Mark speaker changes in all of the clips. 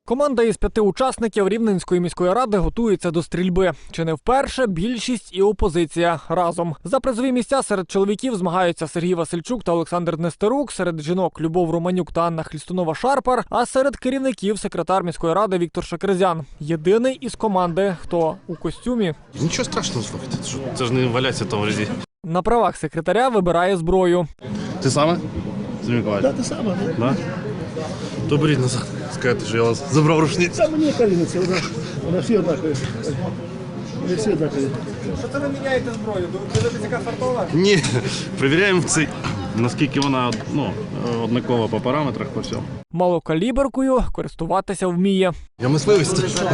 Speaker 1: Команда із 5 учасників Рівненської міської ради готується до стрільби. Чи не вперше більшість і опозиція разом. За призові місця серед чоловіків змагаються Сергій Васильчук та Олександр Нестерук, серед жінок Любов Романюк та Анна Хлістунова-Шарпар, а серед керівників секретар міської ради Віктор Шакерзян. Єдиний із команди, хто у костюмі.
Speaker 2: Нічого страшного, слухайте, це ж не валяться там в ряді.
Speaker 1: На правах секретаря вибирає зброю.
Speaker 2: Ти саме?
Speaker 3: Так, ти саме.
Speaker 2: Да? То беріть назад, скажете, що я вас забрав рушницю.
Speaker 3: Це мені каліниця, вона всі однакові. Вони всі однакові.
Speaker 1: Що це ви міняєте зброю? Дивитися, яка фартова?
Speaker 2: Ні, перевіряємо цей, наскільки вона однакова по параметрах, по всьому.
Speaker 1: Малокаліберкою користуватися вміє.
Speaker 2: Я мисливець,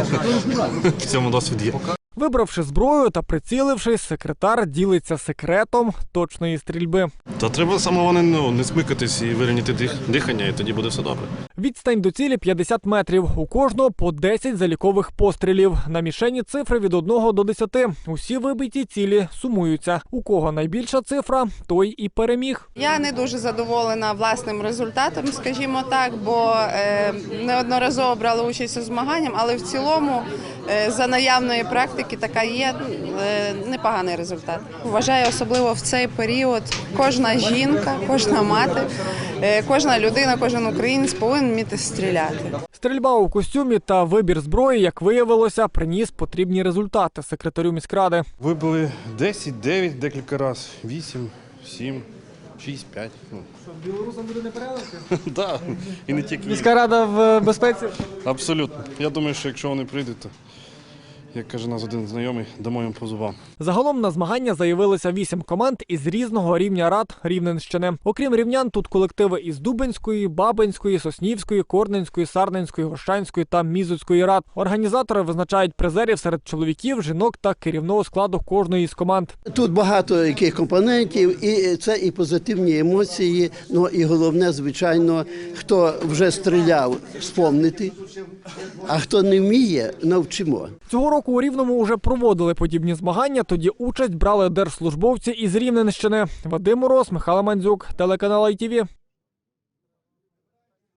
Speaker 2: в цьому досвід є.
Speaker 1: Вибравши зброю та прицілившись, секретар ділиться секретом точної стрільби.
Speaker 2: Та треба самого не смикатись і вирівняти дихання, і тоді буде все добре.
Speaker 1: Відстань до цілі 50 метрів. У кожного по 10 залікових пострілів. На мішені цифри від 1 до 10. Усі вибиті цілі сумуються. У кого найбільша цифра, той і переміг.
Speaker 4: Я не дуже задоволена власним результатом, скажімо так, бо неодноразово брала участь у змаганнях, але в цілому за наявної практики така є непоганий результат. Вважаю, особливо в цей період кожна жінка, кожна мати, кожна людина, кожен українець повинен вміти стріляти.
Speaker 1: Стрільба у костюмі та вибір зброї, як виявилося, приніс потрібні результати секретарю міськради.
Speaker 2: Вибили 10, 9 декілька разів, 8, 7, 6, 5.
Speaker 1: Що, білорусам буде непереливки?
Speaker 2: Так, і не тільки.
Speaker 1: Міська рада в безпеці?
Speaker 2: Абсолютно. Я думаю, що якщо вони прийдуть, то, як каже нас один знайомий, дамо їм по зубам.
Speaker 1: Загалом на змагання заявилося 8 команд із різного рівня рад Рівненщини. Окрім рівнян, тут колективи із Дубенської, Бабинської, Соснівської, Корненської, Сарненської, Гощанської та Мізуцької рад. Організатори визначають призерів серед чоловіків, жінок та керівного складу кожної із команд.
Speaker 3: Тут багато яких компонентів, і це і позитивні емоції, ну і головне, звичайно, хто вже стріляв, вспомнити, а хто не вміє, навчимо.
Speaker 1: Цього року у Рівному вже проводили подібні змагання, тоді участь брали держслужбовці із Рівненщини. Вадим Мороз, Михайло Мандзюк, телеканал ITV.